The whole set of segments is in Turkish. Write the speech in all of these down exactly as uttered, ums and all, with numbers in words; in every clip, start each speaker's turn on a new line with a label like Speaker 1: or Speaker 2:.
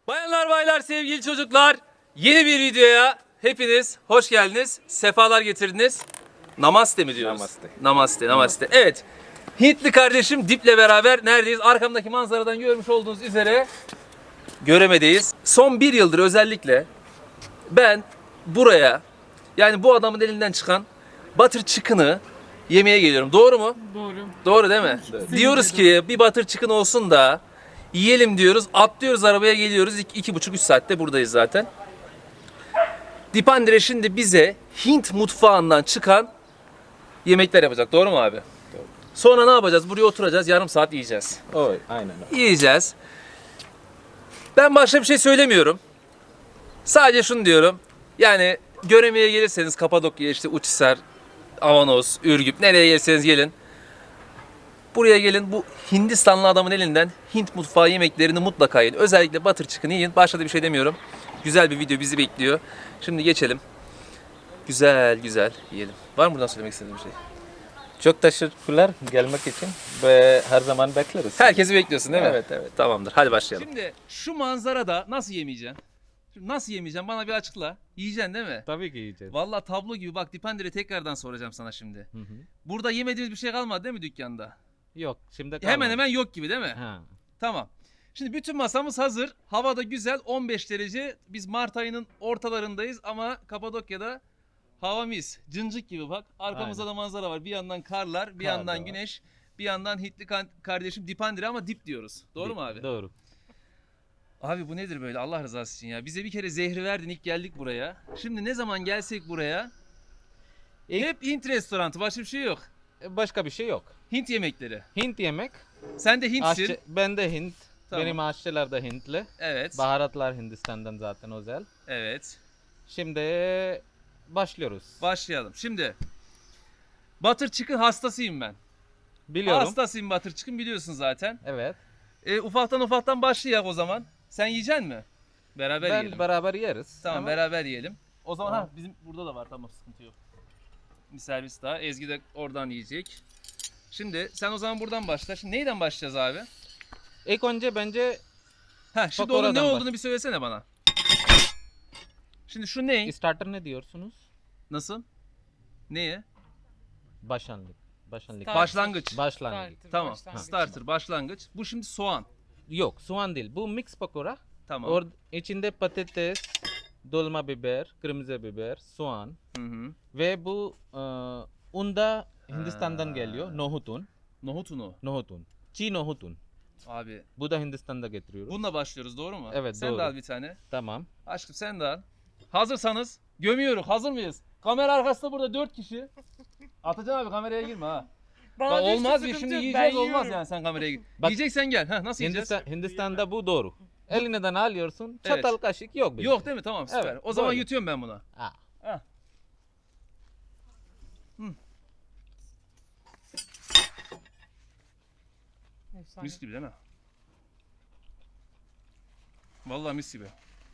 Speaker 1: Bayanlar baylar sevgili çocuklar, yeni bir videoya hepiniz hoş geldiniz, sefalar getirdiniz. Namaste mi diyoruz?
Speaker 2: Namaste.
Speaker 1: Namaste, namaste. Evet, Hintli kardeşim Dip'le beraber neredeyiz? Arkamdaki manzaradan görmüş olduğunuz üzere Göreme'deyiz. Son bir yıldır özellikle ben buraya, yani bu adamın elinden çıkan butter chicken'ı yemeye geliyorum. Doğru mu?
Speaker 3: Doğru.
Speaker 1: Doğru değil mi? Diyoruz ki bir butter chicken olsun da yiyelim diyoruz. Atlıyoruz arabaya geliyoruz. İki, iki buçuk üç saatte buradayız zaten. Dipandire şimdi bize Hint mutfağından çıkan yemekler yapacak. Doğru mu abi?
Speaker 2: Doğru.
Speaker 1: Sonra ne yapacağız? Buraya oturacağız. Yarım saat yiyeceğiz.
Speaker 2: Oy, aynen öyle.
Speaker 1: Yiyeceğiz. Ben başka bir şey söylemiyorum. Sadece şunu diyorum. Yani Göreme'ye gelirseniz Kapadokya, işte Uçhisar, Avanos, Ürgüp, nereye gelirseniz gelin. Buraya gelin, bu Hindistanlı adamın elinden Hint mutfağı yemeklerini mutlaka yiyin. Özellikle butter chicken'ı yiyin. Başka da bir şey demiyorum. Güzel bir video bizi bekliyor. Şimdi geçelim. Güzel güzel yiyelim. Var mı buradan söylemek istediğin bir şey?
Speaker 2: Çok teşekkürler gelmek için ve her zaman bekleriz.
Speaker 1: Herkesi bekliyorsun değil mi?
Speaker 2: Evet, evet.
Speaker 1: Tamamdır. Hadi başlayalım. Şimdi şu manzarada nasıl yemeyeceksin? Şimdi nasıl yemeyeceksin? Bana bir açıkla. Yiyeceksin değil mi?
Speaker 2: Tabii ki yiyeceğiz.
Speaker 1: Vallahi tablo gibi. Bak Dipandire'ye tekrardan soracağım sana şimdi.
Speaker 2: Hı hı.
Speaker 1: Burada yemediğimiz bir şey kalmadı değil mi dükkanda?
Speaker 2: Yok, şimdi
Speaker 1: Hemen
Speaker 2: kalmadı.
Speaker 1: hemen yok gibi değil mi?
Speaker 2: Ha.
Speaker 1: Tamam. Şimdi bütün masamız hazır. Havada güzel, on beş derece. Biz Mart ayının ortalarındayız ama Kapadokya'da hava mis. Cıncık gibi bak. Arkamızda
Speaker 2: Aynen.
Speaker 1: da manzara var. Bir yandan karlar, bir
Speaker 2: Kar da
Speaker 1: yandan
Speaker 2: var.
Speaker 1: güneş, bir yandan Hintli kan- kardeşim Dipandire ama dip diyoruz. Doğru mu abi?
Speaker 2: Doğru.
Speaker 1: Abi bu nedir böyle Allah rızası için ya? Bize bir kere zehri verdin, ilk geldik buraya. Şimdi ne zaman gelsek buraya
Speaker 2: İlk-
Speaker 1: hep Hint restoranı, başka bir şey yok.
Speaker 2: E, Başka bir şey yok.
Speaker 1: Hint yemekleri.
Speaker 2: Hint yemek.
Speaker 1: Sen de Hintsin.
Speaker 2: Aşçı, ben de Hint.
Speaker 1: Tamam.
Speaker 2: Benim aşçılar da Hintli.
Speaker 1: Evet.
Speaker 2: Baharatlar Hindistan'dan zaten özel.
Speaker 1: Evet.
Speaker 2: Şimdi başlıyoruz.
Speaker 1: Başlayalım. Şimdi butter chicken hastasıyım ben.
Speaker 2: Biliyorum.
Speaker 1: Hastasıyım butter chicken, biliyorsun zaten.
Speaker 2: Evet.
Speaker 1: E, ufaktan ufaktan başlayak o zaman. Sen yiyecek mi? Beraber
Speaker 2: ben
Speaker 1: yiyelim.
Speaker 2: beraber yeriz.
Speaker 1: Tamam,
Speaker 2: Ama
Speaker 1: beraber yiyelim. O zaman
Speaker 2: Tamam.
Speaker 1: ha bizim burada da var, tamam, sıkıntı yok. Bir servis daha. Ezgi de oradan yiyecek. Şimdi sen o zaman buradan başla. Şimdi neyden başlayacağız abi?
Speaker 2: ilk önce bence
Speaker 1: Ha şimdi
Speaker 2: Bak
Speaker 1: onun ne
Speaker 2: oradan
Speaker 1: olduğunu bir söylesene bana. Şimdi şu ne?
Speaker 2: starter ne diyorsunuz?
Speaker 1: Nasıl? Neye?
Speaker 2: Başlangıç. Başlangıç.
Speaker 3: Start.
Speaker 1: Başlangıç.
Speaker 2: Başlangıç.
Speaker 3: Starter,
Speaker 1: Tamam.
Speaker 3: başlangıç.
Speaker 1: Starter, başlangıç. Bu şimdi soğan.
Speaker 2: Yok, soğan değil. Bu mix pakora.
Speaker 1: Tamam.
Speaker 2: Or içinde patates, dolma biber, kırmızı biber, soğan
Speaker 1: Hı hı.
Speaker 2: ve bu e, un da Hindistan'dan geliyor. Nohut un.
Speaker 1: Nohut unu.
Speaker 2: Nohut un. Çiğ nohut un.
Speaker 1: Abi
Speaker 2: Bu da Hindistan'da getiriyoruz.
Speaker 1: bununla başlıyoruz, doğru mu?
Speaker 2: Evet,
Speaker 1: sen
Speaker 2: doğru.
Speaker 1: de al bir tane.
Speaker 2: Tamam.
Speaker 1: Aşkım sen de al. Hazırsanız gömüyoruz. Hazır mıyız? Kamera arkasında burada dört kişi. Atacan abi kameraya girme ha.
Speaker 3: Bana
Speaker 1: Bak,
Speaker 3: düştü,
Speaker 1: olmaz bir
Speaker 3: sıkıntı
Speaker 1: şimdi
Speaker 3: yok,
Speaker 1: yiyeceğiz,
Speaker 3: ben
Speaker 1: olmaz
Speaker 3: yiyorum.
Speaker 1: yani sen kameraya gir.
Speaker 2: Bak-
Speaker 1: Yiyeceksen gel. Heh, nasıl yiyeceğiz?
Speaker 2: Hindistan, Hindistan'da bu doğru. Elinden alıyorsun.
Speaker 1: Evet.
Speaker 2: Çatal kaşık yok. bizde.
Speaker 1: Yok değil mi? Tamam, süper.
Speaker 2: Evet,
Speaker 1: o zaman
Speaker 2: böyle.
Speaker 1: yutuyorum ben buna.
Speaker 2: Ha.
Speaker 1: Heh.
Speaker 3: Efsane.
Speaker 1: Mis gibi değil mi? Vallahi mis gibi.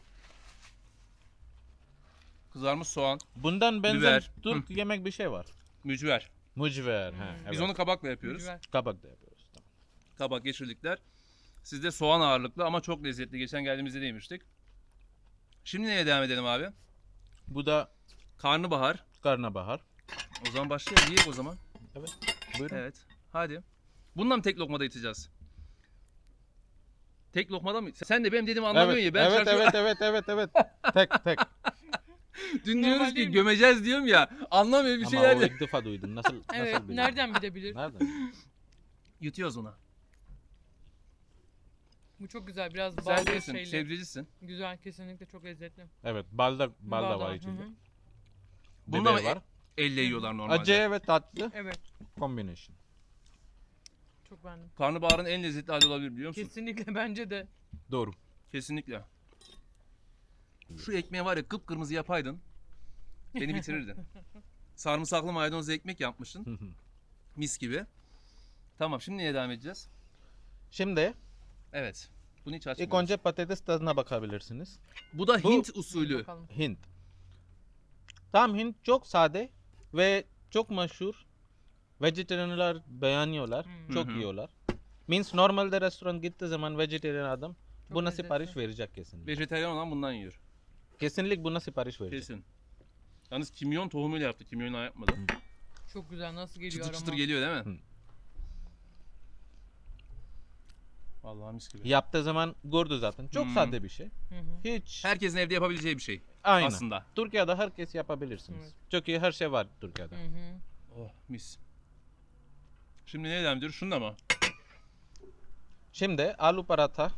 Speaker 1: Kızarmış soğan,
Speaker 2: Bundan benzer
Speaker 1: Biber.
Speaker 2: Türk yemek bir şey var.
Speaker 1: mücver.
Speaker 2: Mucver. Ha, evet.
Speaker 1: Biz onu kabakla yapıyoruz.
Speaker 3: Güzel.
Speaker 2: kabak da yapıyoruz. Tamam.
Speaker 1: Kabak geçirdikler. Sizde soğan ağırlıklı ama çok lezzetli. Geçen geldiğimizde de yemiştik. Şimdi neye devam edelim abi?
Speaker 2: Bu da
Speaker 1: Karnabahar.
Speaker 2: karnabahar.
Speaker 1: O zaman başlayalım. Yiyek o zaman.
Speaker 2: Evet. Buyurun.
Speaker 1: Evet. Hadi. Bununla mı tek lokmada iteceğiz? Tek lokmada mı? Sen de benim dediğimi anlamıyorsun
Speaker 2: Evet,
Speaker 1: ya. Ben
Speaker 2: evet,
Speaker 1: şaşırıyorum.
Speaker 2: evet, evet, evet, evet. tek tek.
Speaker 1: Dün diyoruz
Speaker 3: Normal
Speaker 1: ki
Speaker 3: değil mi?
Speaker 1: gömeceğiz diyorum ya. Anlamıyor bir
Speaker 2: Ama
Speaker 1: şeyler
Speaker 2: o
Speaker 1: de.
Speaker 2: ilk defa duydum. Nasıl,
Speaker 3: Evet,
Speaker 2: nasıl bildin?
Speaker 3: nereden bilebilir?
Speaker 2: Nereden?
Speaker 1: Yutuyoruz ona.
Speaker 3: Bu çok güzel, biraz
Speaker 1: Sen
Speaker 3: ballı
Speaker 1: değilsin.
Speaker 3: şeyli.
Speaker 1: Sebzecisin.
Speaker 3: Güzel, kesinlikle çok lezzetli.
Speaker 2: Evet, bal da, bal da
Speaker 3: Bal
Speaker 2: var
Speaker 3: Hı
Speaker 2: içinde.
Speaker 3: hı.
Speaker 1: Bunda
Speaker 2: Biber
Speaker 1: mı
Speaker 2: var.
Speaker 1: Elle yiyorlar normalde.
Speaker 2: Acı ve tatlı
Speaker 3: Evet,
Speaker 2: combination.
Speaker 3: çok beğendim.
Speaker 1: Karnabaharın en lezzetli hali olabilir, biliyor musun?
Speaker 3: Kesinlikle bence de.
Speaker 2: Doğru.
Speaker 1: Kesinlikle. Şu ekmeği var ya kıpkırmızı yapaydın. Beni bitirirdin. Sarımsaklı maydanozlu ekmek yapmışsın. Mis gibi. Tamam, şimdi neye devam edeceğiz?
Speaker 2: Şimdi
Speaker 1: Evet. Bunu hiç
Speaker 2: ilk
Speaker 1: açmıyoruz.
Speaker 2: önce patates tadına bakabilirsiniz.
Speaker 1: Bu da
Speaker 2: Bu-
Speaker 1: Hint usulü.
Speaker 3: Bakalım.
Speaker 2: Hint. Tam Hint çok sade ve çok meşhur. Vejetaryenler beğeniyorlar.
Speaker 3: Hmm.
Speaker 2: Çok
Speaker 1: Hı hı.
Speaker 2: yiyorlar. Means normalde restoran gittiği zaman vejetaryen adam buna
Speaker 3: lezzetli.
Speaker 2: sipariş verecek kesinlikle.
Speaker 1: Vejetaryen olan bundan yiyor.
Speaker 2: Kesinlikle buna sipariş verecek.
Speaker 1: Kesin. Yalnız kimyon tohumuyla yaptı. Kimyonla yapmadı.
Speaker 3: Çok güzel. Nasıl geliyor
Speaker 1: Çıtır
Speaker 3: aroma?
Speaker 1: çıtır geliyor değil mi?
Speaker 2: Hı.
Speaker 1: Vallahi mis gibi.
Speaker 2: Yaptığı zaman gördü zaten. Çok
Speaker 1: Hmm.
Speaker 2: sade bir şey.
Speaker 3: Hı hı.
Speaker 2: Hiç.
Speaker 1: Herkesin evde yapabileceği bir şey
Speaker 2: Aynen.
Speaker 1: aslında.
Speaker 2: Türkiye'de herkes yapabilirsiniz.
Speaker 3: Evet.
Speaker 2: Çünkü her şey var Türkiye'de.
Speaker 3: Hı hı.
Speaker 1: Oh mis. Şimdi ne devam ediyoruz? Şunda mı?
Speaker 2: Şimdi alu paratha,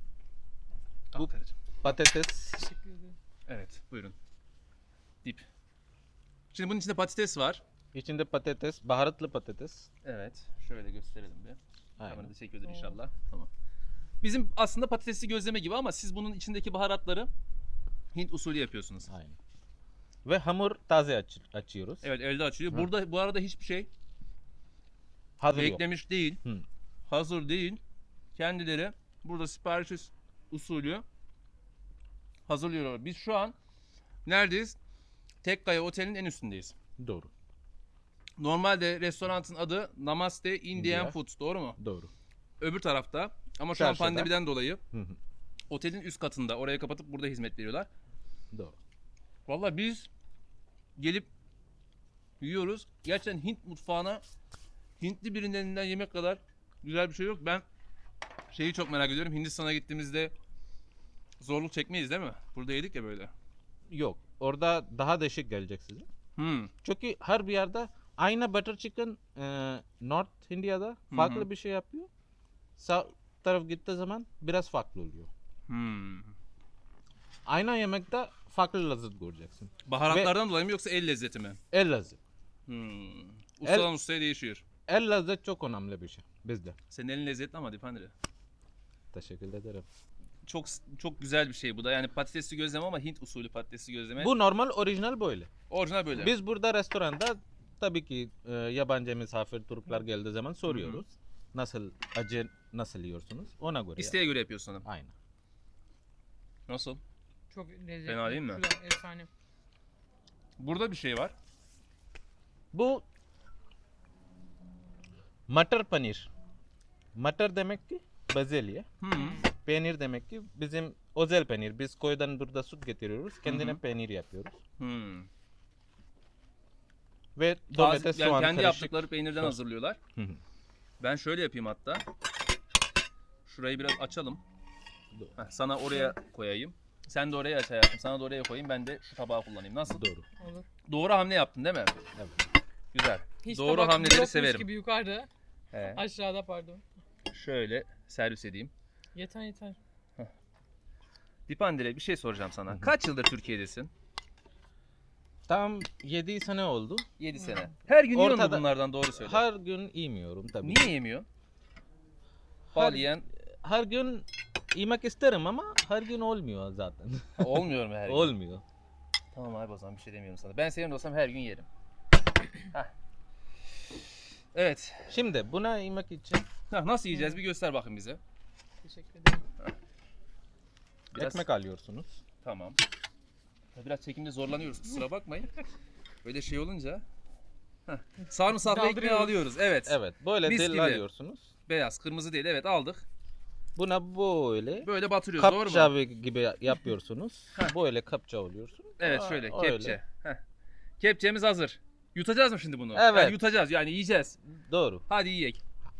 Speaker 2: Bu-
Speaker 1: Bu...
Speaker 2: patates,
Speaker 3: Teşekkür ederim.
Speaker 1: Evet buyurun. Dip. Şimdi bunun içinde patates var.
Speaker 2: içinde patates, baharatlı patates.
Speaker 1: Evet. Şöyle gösterelim bir.
Speaker 2: Aynen.
Speaker 1: Kamerada çekiyordur inşallah. Tamam. Bizim aslında patatesli gözleme gibi ama siz bunun içindeki baharatları Hint usulü yapıyorsunuz.
Speaker 2: Aynen. Ve hamur taze aç- açıyoruz.
Speaker 1: Evet elde açılıyor.
Speaker 2: Hı.
Speaker 1: Burada bu arada hiçbir şey
Speaker 2: Hazır yok.
Speaker 1: beklemiş değil.
Speaker 2: Hı.
Speaker 1: Hazır değil. Kendileri burada sipariş us- usulü hazırlıyorlar. Biz şu an neredeyiz? Tekkaya Otel'in en üstündeyiz.
Speaker 2: Doğru.
Speaker 1: Normalde restoranın adı Namaste Indian
Speaker 2: India.
Speaker 1: Foods, doğru mu?
Speaker 2: Doğru.
Speaker 1: Öbür tarafta. Ama şu an
Speaker 2: Çarşıda.
Speaker 1: pandemiden dolayı
Speaker 2: Hı hı.
Speaker 1: otelin üst katında. Oraya kapatıp burada hizmet veriyorlar.
Speaker 2: Doğru.
Speaker 1: Vallahi biz gelip yiyoruz. Gerçekten Hint mutfağına Hintli birinin elinden yemek kadar güzel bir şey yok. Ben şeyi çok merak ediyorum. Hindistan'a gittiğimizde zorluk çekmeyiz değil mi? Burada yedik ya böyle.
Speaker 2: Yok. Orada daha değişik gelecek size.
Speaker 1: Hmm.
Speaker 2: Çünkü her bir yerde aynı butter chicken e, North India'da farklı
Speaker 1: hı.
Speaker 2: bir şey yapıyor. Sağ taraf gittiği zaman biraz farklı oluyor.
Speaker 1: Hmm.
Speaker 2: Aynı yemekte farklı lezzet göreceksin.
Speaker 1: Baharatlardan dolayı mı yoksa el lezzeti mi?
Speaker 2: El lezzet.
Speaker 1: Hmm. Ustadan ustaya değişiyor.
Speaker 2: El lezzet çok önemli bir şey bizde.
Speaker 1: Senin elin lezzetli ama Dipandre.
Speaker 2: Teşekkür ederim.
Speaker 1: Çok çok güzel bir şey bu da. Yani patatesli gözleme ama Hint usulü patatesli gözleme.
Speaker 2: Bu normal orijinal böyle.
Speaker 1: Orijinal böyle.
Speaker 2: Biz burada restoranda tabii ki e, yabancı misafir Türkler geldiği zaman soruyoruz. Nasıl acı nasıl yiyorsunuz? Ona göre.
Speaker 1: İsteğe göre yapıyorsun hanım.
Speaker 2: Aynen.
Speaker 1: Nasıl?
Speaker 3: Çok lezzetli.
Speaker 1: Fena değil mi?
Speaker 3: Güzel, efsane.
Speaker 1: Burada bir şey var.
Speaker 2: Bu matar panir. Matar demek ki bezelye.
Speaker 1: Hmm.
Speaker 2: Peynir demek ki bizim özel peynir. Biz koydan burada süt getiriyoruz. Kendine
Speaker 1: Hı hı.
Speaker 2: peynir yapıyoruz.
Speaker 1: Hmm.
Speaker 2: Ve
Speaker 1: Taze-
Speaker 2: domates,
Speaker 1: yani
Speaker 2: soğan
Speaker 1: kendi
Speaker 2: karışık.
Speaker 1: yaptıkları peynirden
Speaker 2: sos.
Speaker 1: hazırlıyorlar.
Speaker 2: Hı hı.
Speaker 1: Ben şöyle yapayım hatta. Şurayı biraz açalım.
Speaker 2: Doğru.
Speaker 1: Heh, sana oraya koyayım. Sen de oraya aç hayatım. Sana da oraya koyayım. Ben de şu tabağı kullanayım. Nasıl?
Speaker 2: Doğru.
Speaker 3: Olur.
Speaker 1: Doğru hamle yaptın değil mi?
Speaker 2: Evet.
Speaker 1: Güzel.
Speaker 3: Hiç
Speaker 1: Doğru
Speaker 3: tabak
Speaker 1: hamleleri
Speaker 3: yokmuş
Speaker 1: severim.
Speaker 3: gibi yukarıda.
Speaker 1: He.
Speaker 3: Aşağıda pardon.
Speaker 1: Şöyle servis edeyim.
Speaker 3: Yeter yeter.
Speaker 1: Dipandire bir şey soracağım sana. Kaç yıldır Türkiye'desin?
Speaker 2: Tam yedi sene oldu.
Speaker 1: yedi sene. Her gün yiyor mu
Speaker 2: Ortada-
Speaker 1: bunlardan, doğru söyle.
Speaker 2: Her gün yemiyorum tabii.
Speaker 1: Niye yemiyor? Bal
Speaker 2: Her-
Speaker 1: yiyen
Speaker 2: Her gün yemek isterim ama her gün olmuyor zaten.
Speaker 1: olmuyor mu her gün?
Speaker 2: Olmuyor.
Speaker 1: Tamam abi o zaman bir şey demiyorum sana. Ben senin de olsam her gün yerim. Heh. Evet.
Speaker 2: Şimdi buna yemek için
Speaker 1: Heh, nasıl yiyeceğiz bir göster bakın bize.
Speaker 3: Teşekkür ederim.
Speaker 1: Biraz-
Speaker 2: ekmek alıyorsunuz.
Speaker 1: Tamam. Biraz çekimde zorlanıyoruz, kusura bakmayın. Böyle şey olunca. Heh. Sarımsaklı ekmeği
Speaker 3: Daldırıyoruz.
Speaker 1: alıyoruz. Evet.
Speaker 2: Evet, böyle
Speaker 1: Mis
Speaker 2: dil
Speaker 1: gibi.
Speaker 2: alıyorsunuz.
Speaker 1: Beyaz, kırmızı değil. Evet aldık.
Speaker 2: Buna böyle
Speaker 1: Böyle batırıyoruz, doğru
Speaker 2: kapça
Speaker 1: mu?
Speaker 2: gibi yapıyorsunuz. böyle kapça oluyorsun.
Speaker 1: Evet
Speaker 2: Aa,
Speaker 1: şöyle
Speaker 2: öyle.
Speaker 1: kepçe. Heh. Kepçemiz hazır. Yutacağız mı şimdi bunu?
Speaker 2: Evet.
Speaker 1: Yani yutacağız yani yiyeceğiz.
Speaker 2: Doğru.
Speaker 1: Hadi yiyek.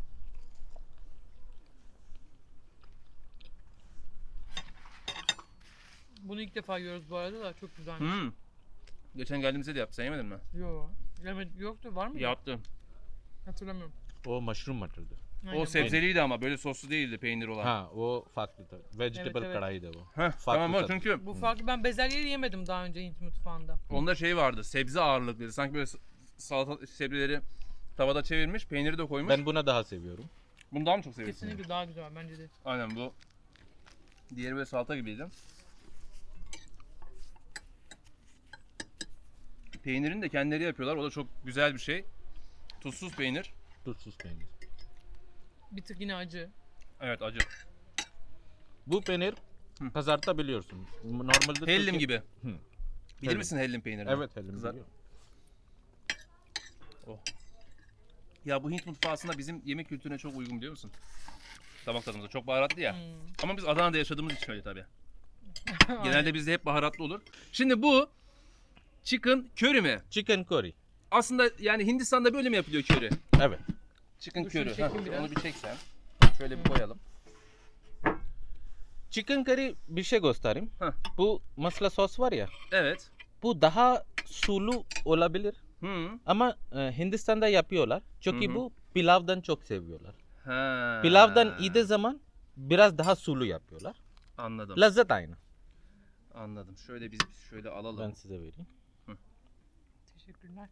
Speaker 3: Bunu ilk defa yiyoruz bu arada da çok güzelmiş.
Speaker 1: Hmm. Geçen geldiğimizde de yaptı. Sen yemedin mi?
Speaker 3: Yo. Yemed yoktu var mı?
Speaker 1: Yaptı.
Speaker 3: Hatırlamıyorum.
Speaker 2: O mushroom matırdı.
Speaker 3: Aynen,
Speaker 1: O
Speaker 3: var.
Speaker 1: sebzeliydi ama böyle soslu değildi, peynir olan.
Speaker 2: Ha, o farklı. Vegetable
Speaker 3: Evet, evet.
Speaker 2: kadayıfı o.
Speaker 1: Heh, tamam o
Speaker 2: tadı.
Speaker 1: çünkü
Speaker 3: Bu farklı. Ben bezelyeyi yemedim daha önce Hint mutfağında.
Speaker 1: onda şey vardı, sebze ağırlıklıydı. Sanki böyle s- salata sebzeleri tavada çevirmiş, peyniri de koymuş.
Speaker 2: Ben buna daha seviyorum.
Speaker 1: Bunu daha mı çok seviyorsun?
Speaker 3: Kesinlikle daha güzel bence de.
Speaker 1: Aynen bu. Diğeri böyle salata gibiydi. Peynirini de kendileri yapıyorlar. O da çok güzel bir şey. Tuzsuz peynir.
Speaker 2: Tuzsuz peynir.
Speaker 3: Bir tık yine acı.
Speaker 1: Evet acı.
Speaker 2: Bu peynir
Speaker 1: Hı.
Speaker 2: kızartabiliyorsun. Normalde
Speaker 1: Hellim
Speaker 2: Türkiye-
Speaker 1: gibi.
Speaker 2: Hı.
Speaker 1: Bilir
Speaker 2: Hellim.
Speaker 1: misin hellim peynirini?
Speaker 2: Evet, hellim
Speaker 1: Kızar-
Speaker 2: biliyorum.
Speaker 1: Ya bu Hint mutfağı aslında bizim yemek kültürüne çok uygun, biliyor musun? damak tadımıza. Çok baharatlı ya.
Speaker 3: Hmm.
Speaker 1: Ama biz Adana'da yaşadığımız için öyle tabii. Genelde bizde hep baharatlı olur. Şimdi bu chicken curry mi?
Speaker 2: Chicken curry.
Speaker 1: Aslında yani Hindistan'da böyle mi yapılıyor curry?
Speaker 2: Evet.
Speaker 1: Chicken
Speaker 3: Dur şunu
Speaker 1: curry.
Speaker 3: çekeyim
Speaker 1: Heh,
Speaker 3: biraz.
Speaker 1: onu bir çeksen. Şöyle bir koyalım.
Speaker 2: Chicken curry bir şey göstereyim.
Speaker 1: Heh.
Speaker 2: Bu masala sos var ya.
Speaker 1: Evet.
Speaker 2: Bu daha sulu olabilir.
Speaker 1: Hı.
Speaker 2: Ama e, Hindistan'da yapıyorlar. Çünkü
Speaker 1: Hı hı.
Speaker 2: bu pilavdan çok seviyorlar.
Speaker 1: Ha.
Speaker 2: Pilavdan yediği zaman biraz daha sulu yapıyorlar.
Speaker 1: Anladım.
Speaker 2: Lezzet aynı.
Speaker 1: Anladım. Şöyle biz şöyle alalım.
Speaker 2: Ben size vereyim.
Speaker 3: Teşekkürler.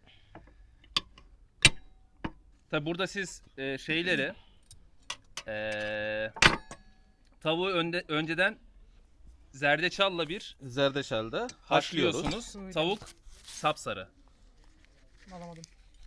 Speaker 1: Tabi burada siz e, şeyleri e, tavuğu önde, önceden zerdeçalla bir
Speaker 2: Zerdeçalda haşlıyoruz.
Speaker 1: haşlıyorsunuz.
Speaker 3: Öyle.
Speaker 1: Tavuk sapsarı.
Speaker 3: Alamadım.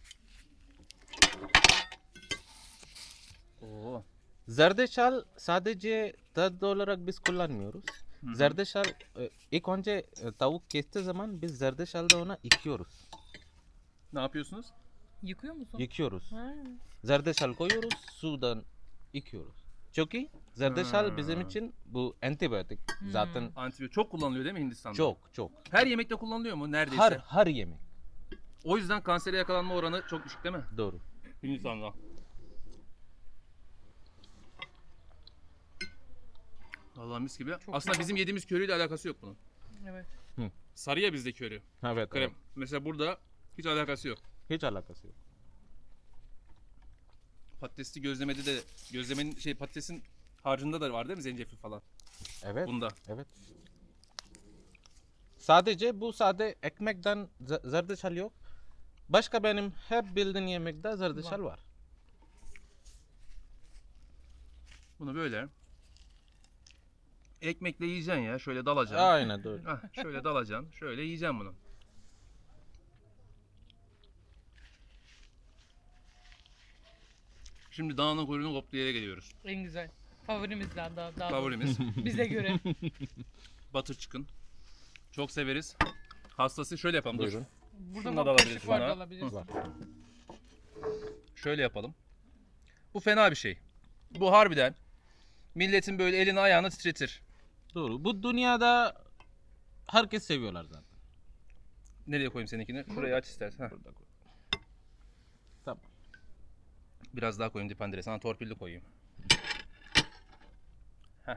Speaker 1: Oo.
Speaker 2: Zerdeçal sadece tat olarak biz kullanmıyoruz.
Speaker 1: Hı hı.
Speaker 2: Zerdeçal e, ilk önce e, tavuk kestiği zaman biz zerdeçalda ona yıkıyoruz.
Speaker 1: Ne yapıyorsunuz?
Speaker 3: Yıkıyor musun?
Speaker 2: Yıkıyoruz.
Speaker 3: Ha.
Speaker 2: Zerdeçal koyuyoruz, sudan yıkıyoruz. Çünkü zerdeçal
Speaker 1: Ha.
Speaker 2: bizim için bu antibiyotik.
Speaker 3: Hmm.
Speaker 2: Zaten
Speaker 1: Antibiyotik çok kullanılıyor değil mi Hindistan'da?
Speaker 2: çok çok.
Speaker 1: Her yemekte kullanılıyor mu neredeyse?
Speaker 2: Her her yemek.
Speaker 1: O yüzden kansere yakalanma oranı çok düşük değil mi?
Speaker 2: Doğru.
Speaker 1: Hindistan'da. Vallahi mis gibi.
Speaker 3: Çok
Speaker 1: Aslında
Speaker 3: güzel.
Speaker 1: bizim yediğimiz köriyle alakası yok bunun.
Speaker 3: Evet.
Speaker 1: Sarı ya bizde köri.
Speaker 2: Evet,
Speaker 1: Krem.
Speaker 2: evet.
Speaker 1: Mesela burada hiç alakası yok.
Speaker 2: Hiç alakası yok.
Speaker 1: Patatesli gözlemede de gözlemenin şey patatesin harcında da var değil mi zencefil falan?
Speaker 2: Evet.
Speaker 1: Bunda.
Speaker 2: Evet. Sadece bu sade ekmekten ze- zerdeçal yok. Başka benim hep bildiğim yemekte zerdeçal var.
Speaker 1: Bunu böyle ekmekle yiyeceksin ya. Şöyle dalacaksın.
Speaker 2: Aynen doğru.
Speaker 1: Hah, şöyle dalacaksın. Şöyle yiyeceksin bunu. Şimdi dağının kuyruğunu koptuğu yere geliyoruz.
Speaker 3: En güzel. Favorimizden daha. daha
Speaker 1: Favorimiz
Speaker 3: doğrusu. Bize göre.
Speaker 1: butter chicken. Çok severiz. Hastası şöyle yapalım. Dur.
Speaker 2: Buyurun.
Speaker 3: Burada
Speaker 1: Şunu da
Speaker 3: da
Speaker 1: alabiliriz
Speaker 3: kaşık var da
Speaker 1: buna.
Speaker 3: alabilirsin.
Speaker 2: Var.
Speaker 1: Şöyle yapalım. Bu fena bir şey. Bu harbiden milletin böyle elini ayağını titretir.
Speaker 2: Doğru. Bu dünyada herkes seviyorlar zaten.
Speaker 1: Nereye koyayım seninkini? Şuraya aç istersen. Heh.
Speaker 2: Burada koy. Tamam.
Speaker 1: Biraz daha koyayım dipandire. Sana torpilli koyayım. Heh.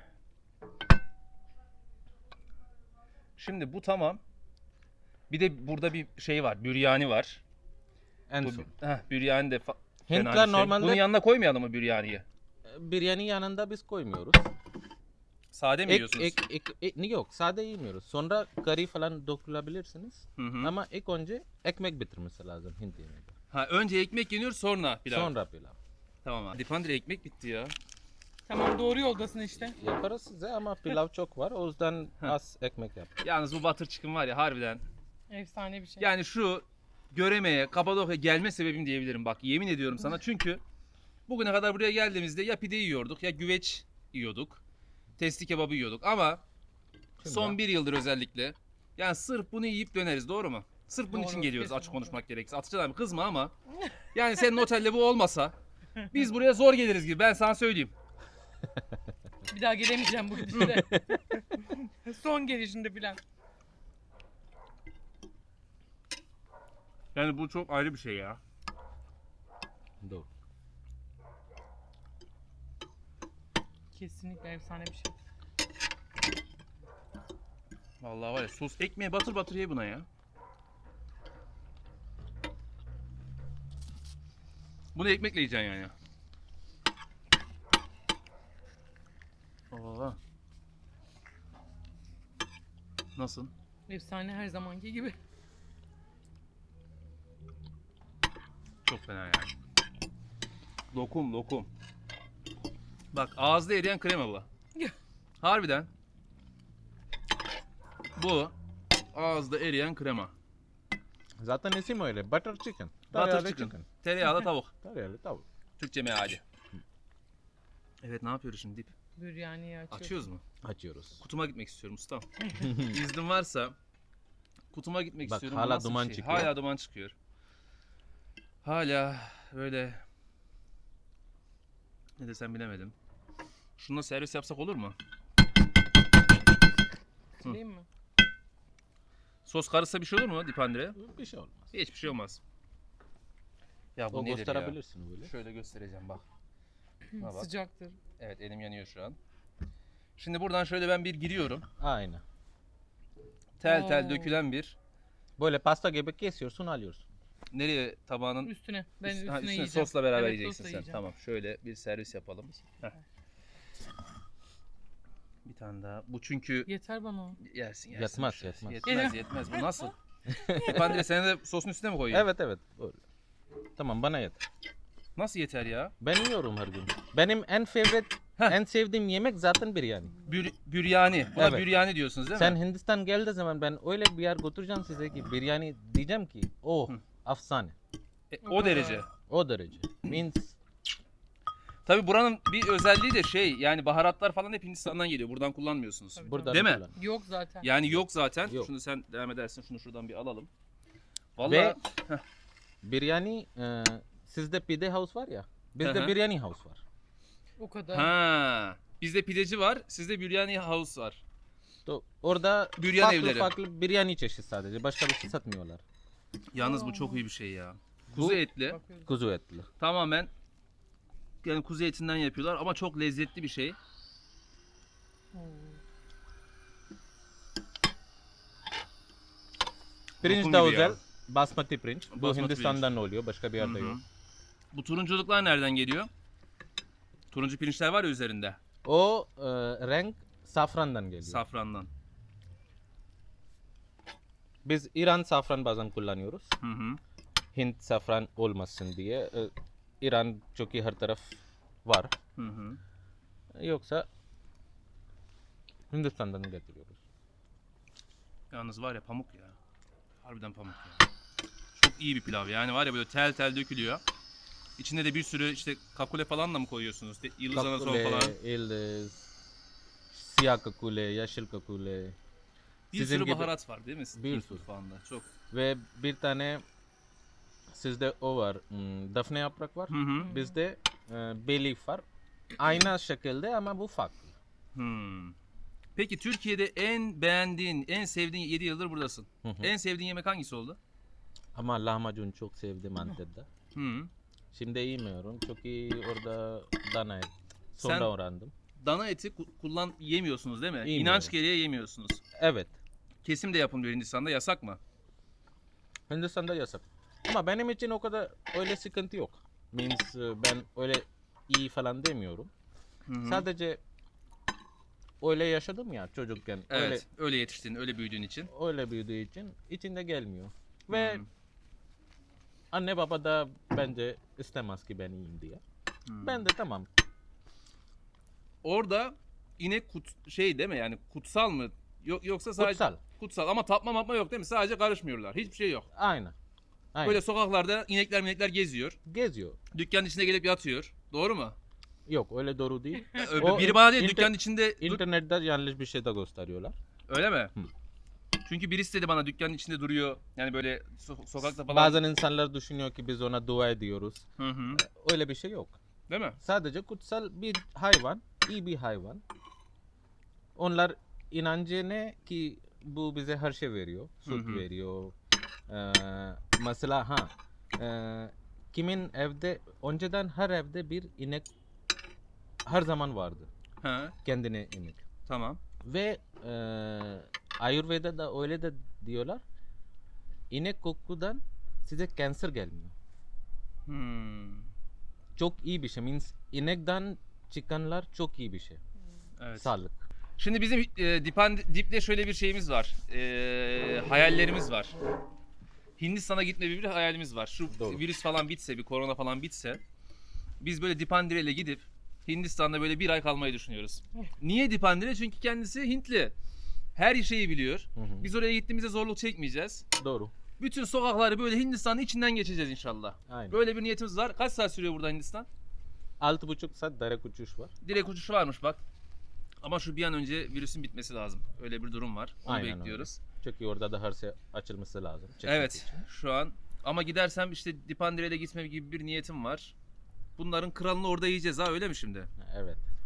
Speaker 1: Şimdi bu tamam. Bir de burada bir şey var. Büryani var.
Speaker 2: En
Speaker 1: Bu,
Speaker 2: son.
Speaker 1: heh, büryani de fa- fena
Speaker 2: Hintler
Speaker 1: bir şey.
Speaker 2: normalde-
Speaker 1: Bunun yanına koymayalım mı büryaniyi?
Speaker 2: Biryani yanında biz koymuyoruz.
Speaker 1: Sade mi
Speaker 2: Ek,
Speaker 1: yiyorsunuz?
Speaker 2: ek, ek, ek- yok sade yemiyoruz. Sonra curry falan dökülebilirsiniz.
Speaker 1: Hı hı.
Speaker 2: Ama ilk önce ekmek bitirmesi lazım Hint yemeğinde.
Speaker 1: Ha, önce ekmek yeniyor sonra pilav.
Speaker 2: Sonra pilav.
Speaker 1: Tamam abi. Dipandire ekmek bitti ya.
Speaker 3: Tamam doğru yoldasın işte.
Speaker 2: Yaparız size ama pilav çok var. O yüzden az ekmek yap.
Speaker 1: Yalnız bu butter chicken var ya harbiden.
Speaker 3: Efsane bir şey.
Speaker 1: Yani şu Göreme'ye, Kapadokya gelme sebebim diyebilirim bak yemin ediyorum sana. Çünkü bugüne kadar buraya geldiğimizde ya pide yiyorduk ya güveç yiyorduk. Testi kebabı yiyorduk ama
Speaker 2: Şimdi
Speaker 1: son
Speaker 2: ya.
Speaker 1: bir yıldır özellikle yani sırf bunu yiyip döneriz doğru mu? Sırf bunun
Speaker 3: Doğru,
Speaker 1: için geliyoruz açık
Speaker 3: kesinlikle.
Speaker 1: konuşmak gerekirse. Atışcan abi kızma ama yani senin otelde bu olmasa biz buraya zor geliriz gibi ben sana söyleyeyim.
Speaker 3: Bir daha gelemeyeceğim bu gidişle. Son gelişinde filan.
Speaker 1: Yani bu çok ayrı bir şey ya.
Speaker 2: Doğru.
Speaker 3: Kesinlikle efsane bir şey.
Speaker 1: Vallahi var ya sos ekmeğe batır batır ye buna ya. Bunu ekmekle yiyeceksin yani. Oo. Nasıl?
Speaker 3: Efsane her zamanki gibi.
Speaker 1: Çok fena yani. Lokum lokum. Bak ağızda eriyen krema bu. Harbiden. Bu ağızda eriyen krema.
Speaker 2: Zaten isim öyle. Butter chicken.
Speaker 1: Butter
Speaker 2: Tereyağlı
Speaker 1: chicken. Tereyağlı tavuk.
Speaker 2: Tereyağlı tavuk.
Speaker 1: Türkçe meali. Evet ne yapıyoruz şimdi Dip?
Speaker 3: Biryaniyi açıyoruz.
Speaker 1: Açıyoruz mu?
Speaker 2: Açıyoruz.
Speaker 1: Kutuma gitmek istiyorum ustam. İznin varsa kutuma gitmek
Speaker 2: Bak,
Speaker 1: istiyorum. Bu
Speaker 2: hala
Speaker 1: nasıl bir
Speaker 2: duman
Speaker 1: şey?
Speaker 2: çıkıyor.
Speaker 1: Hala duman çıkıyor. Hala böyle ne desem bilemedim. Şununla servis yapsak olur mu?
Speaker 3: Sileyim mi?
Speaker 1: Sos karışsa bir şey olur mu Dipandire?
Speaker 2: Bir şey olmaz.
Speaker 1: Hiçbir şey olmaz. Ya bu
Speaker 2: O
Speaker 1: nedir ya?
Speaker 2: gösterebilirsin böyle.
Speaker 1: Şöyle göstereceğim bak. Buna bak.
Speaker 3: Sıcaktır.
Speaker 1: Evet elim yanıyor şu an. Şimdi buradan şöyle ben bir giriyorum.
Speaker 2: Aynen.
Speaker 1: Tel tel
Speaker 3: Oo.
Speaker 1: dökülen bir.
Speaker 2: Böyle pasta gibi kesiyorsun alıyorsun.
Speaker 1: Nereye tabağının
Speaker 3: Üstüne. Ben
Speaker 1: üst-
Speaker 3: üstüne,
Speaker 1: ha, üstüne
Speaker 3: yiyeceğim.
Speaker 1: sosla beraber
Speaker 3: Evet,
Speaker 1: yiyeceksin
Speaker 3: sosla
Speaker 1: sen.
Speaker 3: yiyeceğim.
Speaker 1: Tamam şöyle bir servis yapalım. Heh. Bir tane daha. Bu çünkü
Speaker 3: Yeter bana o.
Speaker 1: yersin yersin.
Speaker 2: Yetmez,
Speaker 1: Şöyle.
Speaker 2: yetmez.
Speaker 1: Yetmez yetmez. Bu nasıl? Dipandire sen de sosun üstüne mi koyuyorsun?
Speaker 2: Evet evet. Böyle. Tamam bana yeter.
Speaker 1: Nasıl yeter ya?
Speaker 2: Ben yiyorum her gün. Benim en favorite,
Speaker 1: Heh.
Speaker 2: en sevdiğim yemek zaten biryani.
Speaker 1: Bür, büryani. Buna
Speaker 2: Evet.
Speaker 1: büryani diyorsunuz değil
Speaker 2: Sen
Speaker 1: mi?
Speaker 2: Hindistan geldiği zaman ben öyle bir yer götüreceğim size ki biryani diyeceğim ki oh
Speaker 1: Hı.
Speaker 2: afsane.
Speaker 1: E,
Speaker 3: O
Speaker 1: o
Speaker 3: kadar.
Speaker 1: derece.
Speaker 2: O derece. Means
Speaker 1: Tabii buranın bir özelliği de şey yani baharatlar falan hep Hindistan'dan geliyor. Buradan kullanmıyorsunuz.
Speaker 3: Tabii.
Speaker 2: burada
Speaker 1: Değil mi?
Speaker 2: kullan.
Speaker 3: Yok zaten.
Speaker 1: Yani yok zaten.
Speaker 2: Yok.
Speaker 1: Şunu sen devam edersin. Şunu şuradan bir alalım.
Speaker 2: Ve
Speaker 1: Vallahi
Speaker 2: biryani e, sizde pide house var ya. Bizde
Speaker 1: Hı hı.
Speaker 2: biryani house var.
Speaker 3: O kadar.
Speaker 1: ha. Bizde pideci var. Sizde biryani house var.
Speaker 2: To, orada
Speaker 1: Büryan
Speaker 2: farklı
Speaker 1: evleri.
Speaker 2: farklı biryani çeşit sadece. Başka bir şey satmıyorlar.
Speaker 1: Yalnız bu
Speaker 3: Aa.
Speaker 1: çok iyi bir şey ya. Kuzu
Speaker 2: Bu-
Speaker 1: etli.
Speaker 3: Bakıyorum.
Speaker 2: Kuzu etli.
Speaker 1: Tamamen yani kuzu etinden yapıyorlar ama çok lezzetli bir şey.
Speaker 3: Oo.
Speaker 2: Pirinç
Speaker 1: Lokum
Speaker 2: de
Speaker 1: gibi ya.
Speaker 2: özel. Basmati pirinç. Bu
Speaker 1: Basmati
Speaker 2: Hindistan'dan oluyor. Başka bir
Speaker 1: Hı
Speaker 2: yerde
Speaker 1: hı.
Speaker 2: yok.
Speaker 1: Bu turunculuklar nereden geliyor? Turuncu pirinçler var ya üzerinde.
Speaker 2: O e, renk safrandan geliyor.
Speaker 1: Safrandan.
Speaker 2: Biz İran safran bazen kullanıyoruz.
Speaker 1: Hı hı.
Speaker 2: Hint safran olmasın diye. E, İran çünkü her taraf var.
Speaker 1: Hı hı.
Speaker 2: Yoksa Hindistan'dan getiriyoruz.
Speaker 1: Yalnız var ya pamuk ya. Harbiden pamuk ya. Çok iyi bir pilav yani var ya böyle tel tel dökülüyor. İçinde de bir sürü işte kakule falan da mı koyuyorsunuz? De- Yıldız anason
Speaker 2: Kakule,
Speaker 1: falan.
Speaker 2: yıldız, siyah kakule, yeşil kakule
Speaker 1: Bir
Speaker 2: sizin
Speaker 1: sürü
Speaker 2: gibi-
Speaker 1: baharat var değil mi?
Speaker 2: Bir
Speaker 1: Türk
Speaker 2: sürü.
Speaker 1: mutfağında. Çok.
Speaker 2: ve bir tane sizde o var. hmm, Defne yaprak var.
Speaker 1: Hı hı.
Speaker 2: Bizde e, bay leaf var. Aynı şekilde ama bu farklı.
Speaker 1: Hmm. Peki Türkiye'de en beğendiğin, en sevdiğin yedi yıldır buradasın.
Speaker 2: Hı hı.
Speaker 1: En sevdiğin yemek hangisi oldu?
Speaker 2: Ama lahmacun çok sevdim Antep'te.
Speaker 1: Hı.
Speaker 2: Şimdi yemiyorum çünkü orada dana et. Sonra
Speaker 1: Sen-
Speaker 2: öğrendim.
Speaker 1: Dana eti ku- kullan yemiyorsunuz değil mi?
Speaker 2: Yemiyorum.
Speaker 1: İnanç gereği yemiyorsunuz.
Speaker 2: Evet.
Speaker 1: Kesim de yapılmıyor Hindistan'da. Yasak mı?
Speaker 2: Hindistan'da yasak. Ama benim için o kadar öyle sıkıntı yok. Means e, ben öyle iyi falan demiyorum.
Speaker 1: Hı hı.
Speaker 2: Sadece öyle yaşadım ya çocukken.
Speaker 1: Evet.
Speaker 2: Öyle
Speaker 1: Öyle yetiştin, öyle büyüdüğün için.
Speaker 2: öyle büyüdüğü için içinde gelmiyor. Ve
Speaker 1: Hı.
Speaker 2: anne baba da bence istemez ki ben yiyeyim diye.
Speaker 1: Hı.
Speaker 2: Ben de tamam.
Speaker 1: Orada inek kut şey değil mi? Yani kutsal mı? Yok yoksa sadece
Speaker 2: Kutsal.
Speaker 1: kutsal ama tapma mapma yok değil mi? Sadece karışmıyorlar. Hiçbir şey yok.
Speaker 2: Aynen. Aynen.
Speaker 1: Böyle sokaklarda inekler minekler geziyor.
Speaker 2: Geziyor.
Speaker 1: Dükkanın içine gelip yatıyor. Doğru mu?
Speaker 2: Yok öyle doğru değil.
Speaker 1: Ö-
Speaker 2: O
Speaker 1: Biri bana değil
Speaker 2: inter-
Speaker 1: dükkanın içinde dur-
Speaker 2: İnternette yanlış bir şey de gösteriyorlar.
Speaker 1: öyle mi?
Speaker 2: Hı.
Speaker 1: Çünkü birisi dedi bana dükkanın içinde duruyor. Yani böyle so- sokakta falan.
Speaker 2: Bazen insanlar düşünüyor ki biz ona dua ediyoruz.
Speaker 1: Hı hı.
Speaker 2: Öyle bir şey yok.
Speaker 1: Değil mi?
Speaker 2: Sadece kutsal bir hayvan, iyi bir hayvan. Onlar inancı ne ki bu bize her şey veriyor. Süt
Speaker 1: Hı hı.
Speaker 2: veriyor. Ee, mesela ha e, kimin evde önceden her evde bir inek her zaman vardı.
Speaker 1: Ha,
Speaker 2: Kendine inek.
Speaker 1: tamam.
Speaker 2: Ve e, Ayurveda'da öyle de diyorlar. İnek kokudan size kanser gelmiyor.
Speaker 1: Hmm.
Speaker 2: Çok iyi bir şey. Means inekten çıkanlar çok iyi bir şey.
Speaker 1: Evet.
Speaker 2: Sağlık.
Speaker 1: Şimdi bizim e, Dipan Dip'le şöyle bir şeyimiz var. E, hayallerimiz var. Hindistan'a gitme gibi bir hayalimiz var. Şu
Speaker 2: Doğru.
Speaker 1: virüs falan bitse, bir korona falan bitse biz böyle Dipandire ile gidip Hindistan'da böyle bir ay kalmayı düşünüyoruz. Niye Dipandire? Çünkü kendisi Hintli. Her şeyi biliyor.
Speaker 2: Hı hı.
Speaker 1: Biz oraya gittiğimizde zorluk çekmeyeceğiz.
Speaker 2: Doğru.
Speaker 1: Bütün sokakları böyle Hindistan'ın içinden geçeceğiz inşallah.
Speaker 2: Aynen.
Speaker 1: Böyle bir niyetimiz var. Kaç saat sürüyor burada Hindistan?
Speaker 2: Altı buçuk saat direkt uçuş var.
Speaker 1: Direkt uçuşu varmış bak. Ama şu bir an önce virüsün bitmesi lazım. Öyle bir durum var. Onu
Speaker 2: Aynen
Speaker 1: bekliyoruz.
Speaker 2: Çünkü orada da her şey açılması lazım. çekmek
Speaker 1: Evet
Speaker 2: için.
Speaker 1: şu an. Ama gidersem işte Dipandire'yle gitme gibi bir niyetim var. Bunların kralını orada yiyeceğiz ha öyle mi şimdi?
Speaker 2: Evet.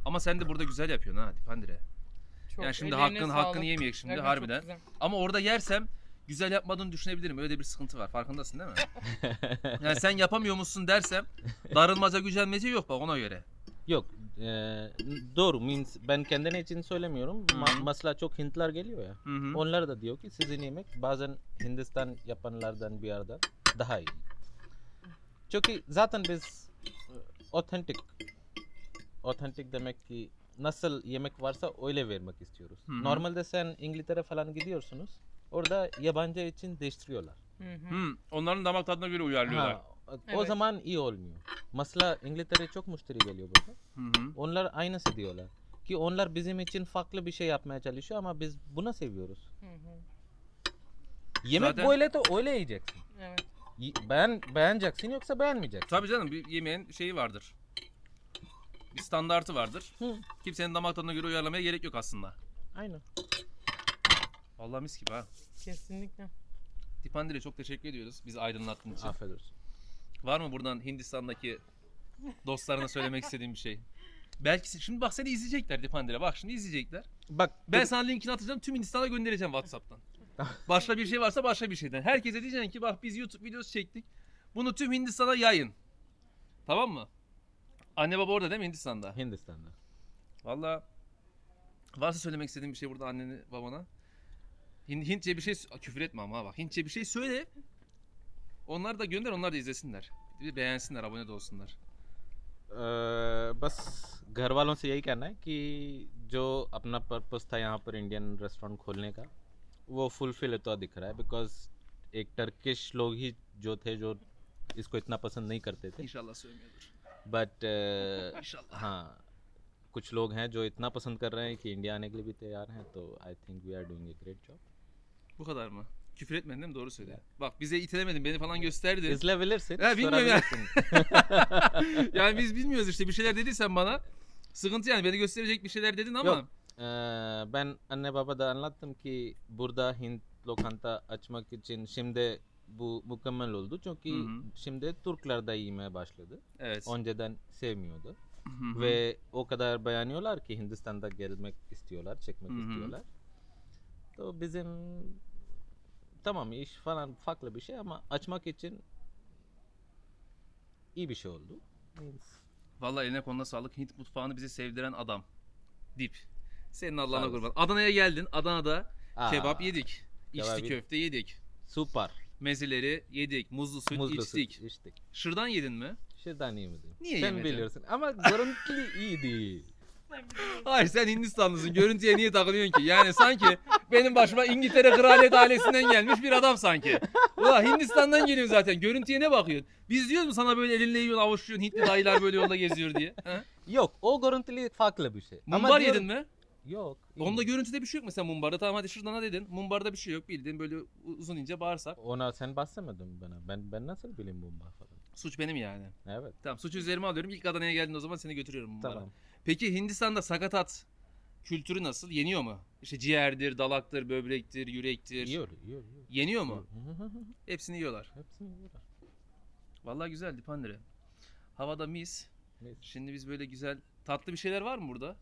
Speaker 1: Ama sen de burada güzel yapıyorsun ha Dipandire.
Speaker 3: Çok,
Speaker 1: Yani şimdi
Speaker 3: ellerine
Speaker 1: hakkın
Speaker 3: sağlık.
Speaker 1: hakkını yemeyek şimdi
Speaker 3: Evet, çok
Speaker 1: harbiden.
Speaker 3: güzel.
Speaker 1: Ama orada yersem güzel yapmadığını düşünebilirim. Öyle bir sıkıntı var. Farkındasın değil mi? Yani sen yapamıyor musun dersem darılmaca gücenmece yok bak ona göre.
Speaker 2: Yok. e, doğru. Means ben kendine için söylemiyorum. Ma-
Speaker 1: Hı hı.
Speaker 2: mesela çok Hintler geliyor ya.
Speaker 1: Hı hı.
Speaker 2: Onlar da diyor ki sizin yemek bazen Hindistan yapanlardan bir yerden daha iyi. Çünkü zaten biz otentik otentik demek ki nasıl yemek varsa öyle vermek istiyoruz.
Speaker 1: Hı hı.
Speaker 2: Normalde sen İngiltere falan gidiyorsunuz. Orada yabancı için değiştiriyorlar.
Speaker 3: Hı hı.
Speaker 1: Hı, onların damak tadına göre uyarlıyorlar.
Speaker 2: Ha, o
Speaker 3: Evet.
Speaker 2: zaman iyi olmuyor. Mesela İngiltere çok müşteri geliyor burada.
Speaker 1: Hı hı.
Speaker 2: Onlar aynısı diyorlar. Ki onlar bizim için farklı bir şey yapmaya çalışıyor ama biz buna seviyoruz.
Speaker 3: Hı hı.
Speaker 2: Yemek
Speaker 1: Zaten-
Speaker 2: böyle de öyle yiyeceksin.
Speaker 3: Evet.
Speaker 2: Y- Beğen, beğeneceksin yoksa beğenmeyeceksin.
Speaker 1: Tabii canım bir yemeğin şeyi vardır. Bir standartı vardır.
Speaker 2: Hı,
Speaker 1: Kimsenin damak tadına göre uyarlamaya gerek yok aslında.
Speaker 2: aynen.
Speaker 1: Vallahi mis gibi ha.
Speaker 3: Kesinlikle.
Speaker 1: Dipandire çok teşekkür ediyoruz bizi aydınlattığın için.
Speaker 2: Afiyet olsun.
Speaker 1: Var mı buradan Hindistan'daki dostlarına söylemek istediğin bir şey? Belki se- şimdi bak seni izleyecekler Dipandire. Bak şimdi izleyecekler.
Speaker 2: Bak
Speaker 1: Ben
Speaker 2: dur-
Speaker 1: sana linkini atacağım. Tüm Hindistan'a göndereceğim WhatsApp'tan. Başka bir şey varsa başka bir şeyden. Herkese diyeceksin ki bak biz YouTube videosu çektik. Bunu tüm Hindistan'a yayın. Tamam mı? Anne baba orada değil mi Hindistan'da?
Speaker 2: Hindistan'da.
Speaker 1: Vallahi varsa söylemek istediğin bir şey burada annene babana. Hin- Hintçe bir şey Aa, küfür etme ama ha bak. Hintçe bir şey söyle. Onlar da gönder, onlar da izlesinler. Bir de beğensinler, abone de olsunlar.
Speaker 2: अ, बस घर वालों से यही कहना है कि जो अपना पर्पस था यहाँ पर इंडियन रेस्टोरेंट खोलने का वो फुलफिल होता दिख रहा है बिकॉज एक टर्किश लोग ही जो थे जो इसको इतना पसंद नहीं करते थे
Speaker 1: İnşallah söylemiyordur.
Speaker 2: But
Speaker 1: İnşallah.
Speaker 2: हाँ कुछ लोग हैं जो इतना पसंद कर रहे हैं कि इंडिया आने के लिए भी तैयार हैं तो I think we are doing a great job
Speaker 1: Bu kadar mı? Küfür etmedin değil mi? Doğru söyle. Bak bize itelemedin, beni falan gösterdin.
Speaker 2: izleyebilirsin
Speaker 1: Ha, bilmiyorum ya.
Speaker 2: sorabilirsin.
Speaker 1: Yani biz bilmiyoruz işte bir şeyler dediysen bana. Sıkıntı yani beni gösterecek bir şeyler dedin ama.
Speaker 2: Yok. Ee, ben anne baba da anlattım ki burada Hint lokanta açmak için şimdi bu mükemmel oldu çünkü
Speaker 1: Hı hı.
Speaker 2: şimdi Türkler de yemeye başladı.
Speaker 1: Evet.
Speaker 2: Önceden sevmiyordu
Speaker 1: Hı hı.
Speaker 2: ve o kadar beğeniyorlar ki Hindistan'da gelmek istiyorlar, çekmek
Speaker 1: Hı hı.
Speaker 2: istiyorlar. To bizim tamam iş falan farklı bir şey ama açmak için iyi bir şey oldu. Means-
Speaker 1: Vallahi eline koluna sağlık. Hint mutfağını bize sevdiren adam. Dip. Senin Allah'ına
Speaker 2: Sağ
Speaker 1: kurban.
Speaker 2: olasın.
Speaker 1: Adana'ya geldin. Adana'da
Speaker 2: Aa,
Speaker 1: kebap yedik.
Speaker 2: kebap
Speaker 1: İçli
Speaker 2: yedik.
Speaker 1: köfte yedik.
Speaker 2: Süper.
Speaker 1: Mezeleri yedik. Muzlu süt
Speaker 2: Muzlu
Speaker 1: içtik.
Speaker 2: süt içtik.
Speaker 1: Şırdan yedin mi?
Speaker 2: Şırdan yemedim.
Speaker 1: Niye
Speaker 2: Sen
Speaker 1: yemedin?
Speaker 2: biliyorsun ama görüntülü iyi değil.
Speaker 1: Hayır sen Hindistanlısın. Görüntüye niye takılıyorsun ki? Yani sanki benim başıma İngiltere kraliyet ailesinden gelmiş bir adam sanki. Ulan Hindistan'dan geliyor zaten. Görüntüye ne bakıyorsun? Biz diyoruz mu sana böyle elinle yiyorsun, avuçluyorsun, Hintli dayılar böyle yolda geziyor diye? Ha?
Speaker 2: Yok o görüntülü farklı bir şey.
Speaker 1: Mumbar
Speaker 2: diyorum-
Speaker 1: yedin mi?
Speaker 2: Yok.
Speaker 1: Onda görüntüde bir şey yok mesela mumbarda. Tamam hadi şırdana dedin. Mumbarda bir şey yok. Bildiğin böyle uzun ince bağırsak.
Speaker 2: Ona sen bahsetmedin bana. Ben ben nasıl bileyim mumbar falan.
Speaker 1: Suç benim yani.
Speaker 2: Evet.
Speaker 1: Tamam suçu üzerime alıyorum. İlk Adana'ya geldin o zaman seni götürüyorum mumbara.
Speaker 2: Tamam.
Speaker 1: Peki Hindistan'da sakatat kültürü nasıl? Yeniyor mu? İşte ciğerdir, dalaktır, böbrektir, yürektir.
Speaker 2: Yiyor, yiyor, yiyor.
Speaker 1: Yeniyor mu?
Speaker 2: Yiyor.
Speaker 1: Hepsini yiyorlar.
Speaker 2: Hepsini yiyorlar.
Speaker 1: Vallahi güzel Dipandire. Havada mis.
Speaker 2: Mis.
Speaker 1: Şimdi biz böyle güzel tatlı bir şeyler var mı burada?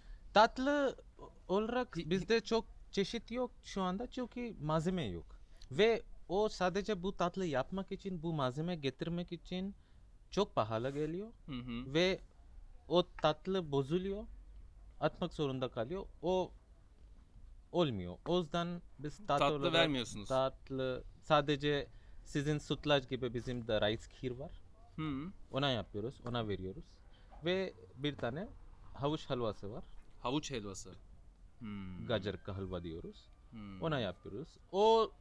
Speaker 2: Tatlı olarak
Speaker 1: Hi-
Speaker 2: bizde çok çeşit yok şu anda çünkü malzeme yok. Ve o sadece bu tatlı yapmak için, bu malzeme getirmek için çok pahalı geliyor.
Speaker 1: Hı hı.
Speaker 2: Ve o tatlı bozuluyor. Atmak zorunda kalıyor. O olmuyor. O yüzden biz tatlı,
Speaker 1: Tatlı
Speaker 2: olarak
Speaker 1: vermiyorsunuz.
Speaker 2: Tatlı sadece sizin sütlaç gibi bizim de rice kheer var.
Speaker 1: Hı.
Speaker 2: Ona yapıyoruz. Ona veriyoruz. Ve bir tane havuç helvası var.
Speaker 1: Havuç helvası. Hmm.
Speaker 2: Gacar ka halva diyoruz.
Speaker 1: Hmm.
Speaker 2: Ona yapıyoruz. O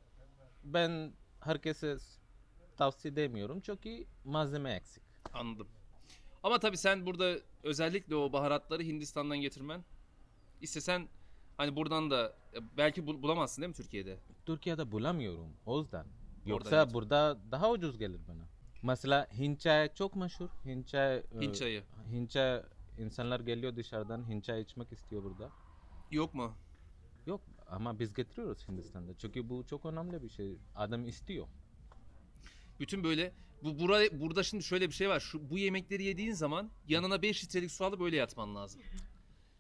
Speaker 2: ben herkese tavsiye edemiyorum çünkü malzeme eksik.
Speaker 1: Anladım. Ama tabii sen burada özellikle o baharatları Hindistan'dan getirmen istesen hani buradan da e, belki bul- bulamazsın değil mi Türkiye'de?
Speaker 2: Türkiye'de bulamıyorum o yüzden. Yoksa
Speaker 1: Orada
Speaker 2: burada daha ucuz gelir bana. Mesela Hint çay çok meşhur. Hint çay, e,
Speaker 1: Hint çayı.
Speaker 2: Hint çay insanlar geliyor dışarıdan Hint çay içmek istiyor burada.
Speaker 1: Yok mu?
Speaker 2: Yok ama biz getiriyoruz Hindistan'da. Çünkü bu çok önemli bir şey. Adam istiyor.
Speaker 1: Bütün böyle bu buraya burada şimdi şöyle bir şey var. Şu bu yemekleri yediğin zaman yanına beş litrelik su alıp böyle yatman lazım.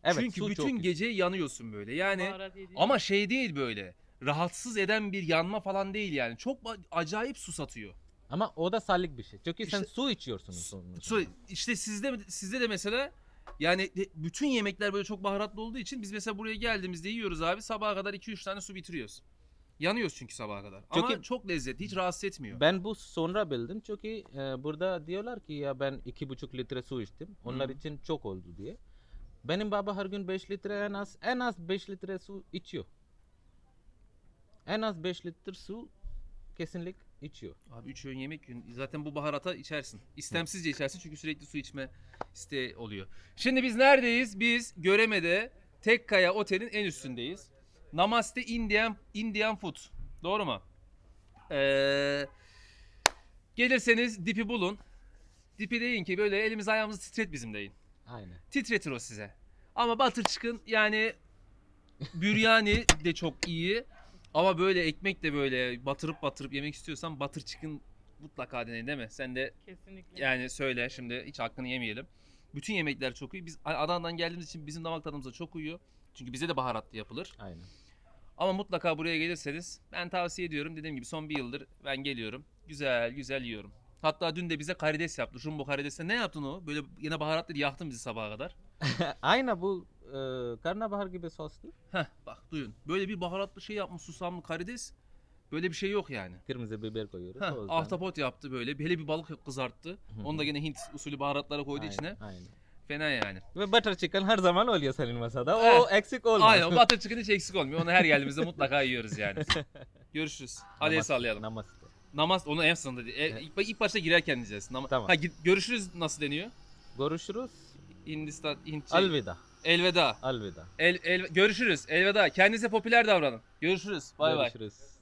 Speaker 2: Evet,
Speaker 1: Çünkü
Speaker 2: su
Speaker 1: bütün
Speaker 2: çok iyi.
Speaker 1: gece yanıyorsun böyle. Yani
Speaker 3: Baharat yediğin-
Speaker 1: ama şey değil böyle. Rahatsız eden bir yanma falan değil yani. Çok ba- acayip susatıyor.
Speaker 2: Ama o da sağlık bir şey. Çünkü sen
Speaker 1: İşte-
Speaker 2: su içiyorsun sonunda.
Speaker 1: Su, işte sizde sizde de mesela yani de- bütün yemekler böyle çok baharatlı olduğu için biz mesela buraya geldiğimizde yiyoruz abi, sabaha kadar iki üç tane su bitiriyoruz. Yanıyoruz çünkü sabaha kadar. Ama
Speaker 2: Çünkü-
Speaker 1: çok lezzetli, hiç rahatsız etmiyor.
Speaker 2: Ben bu sonra bildim çünkü e, burada diyorlar ki ya ben iki buçuk litre su içtim. Onlar
Speaker 1: Hı.
Speaker 2: için çok oldu diye. Benim baba her gün beş litre en az en az beş litre su içiyor. En az beş litre su kesinlik içiyor.
Speaker 1: Abi üç öğün yemek yiyorsun. Zaten bu baharata içersin. İstemsizce içersin çünkü sürekli su içme isteği oluyor. Şimdi biz neredeyiz? Biz Göreme'de Tekkaya Otel'in en üstündeyiz. Namaste Indian Indian Food. Doğru mu? Ee, gelirseniz Dip'i bulun. Dip'i deyin ki böyle elimiz ayağımızı titret bizim deyin.
Speaker 2: Aynen.
Speaker 1: Titretir o size. Ama Butter Chicken yani büryani de çok iyi. Ama böyle ekmek de böyle batırıp batırıp yemek istiyorsan Butter Chicken mutlaka deneyin değil mi? Sen de
Speaker 3: Kesinlikle.
Speaker 1: yani söyle şimdi, hiç hakkını yemeyelim. Bütün yemekler çok iyi. Biz Adana'dan geldiğimiz için bizim damak tadımıza çok uyuyor. Çünkü bize de baharatlı yapılır.
Speaker 2: Aynen.
Speaker 1: Ama mutlaka buraya gelirseniz ben tavsiye ediyorum. Dediğim gibi son bir yıldır ben geliyorum. Güzel güzel yiyorum. Hatta dün de bize karides yaptı. Jumbo karidesle ne yaptın o? Böyle yine baharatlı yaktın bizi sabaha kadar.
Speaker 2: Aynen bu e, karnabahar gibi soslu.
Speaker 1: Heh bak duyun. Böyle bir baharatlı şey yapmış, susamlı karides. Böyle bir şey yok yani.
Speaker 2: Kırmızı biber koyuyoruz.
Speaker 1: Heh,
Speaker 2: o yüzden.
Speaker 1: ahtapot yaptı böyle. Hele bir balık kızarttı.
Speaker 2: Hı hı.
Speaker 1: Onu da gene Hint usulü baharatlara koydu
Speaker 2: Aynen,
Speaker 1: içine.
Speaker 2: Aynen.
Speaker 1: Fena yani.
Speaker 2: Ve butter chicken her zaman oluyor senin masada.
Speaker 1: Eh,
Speaker 2: O eksik olmaz.
Speaker 1: Aynen, o butter chicken hiç eksik olmuyor. Onu her geldiğimizde mutlaka yiyoruz yani. Görüşürüz. Hadi el
Speaker 2: Namaste,
Speaker 1: sallayalım.
Speaker 2: Namaste.
Speaker 1: Namaz onu en sonunda değil. E, ilk, ilk başta girerken diyeceğiz. Nama-
Speaker 2: Tamam.
Speaker 1: Ha, git- görüşürüz nasıl deniyor?
Speaker 2: Görüşürüz.
Speaker 1: Hindistan, Hint şey-
Speaker 2: Alvida.
Speaker 1: Elveda.
Speaker 2: Alvida.
Speaker 1: El, el, görüşürüz. Elveda. Kendinize popüler davranın. Görüşürüz. Bay bay.
Speaker 2: Görüşürüz.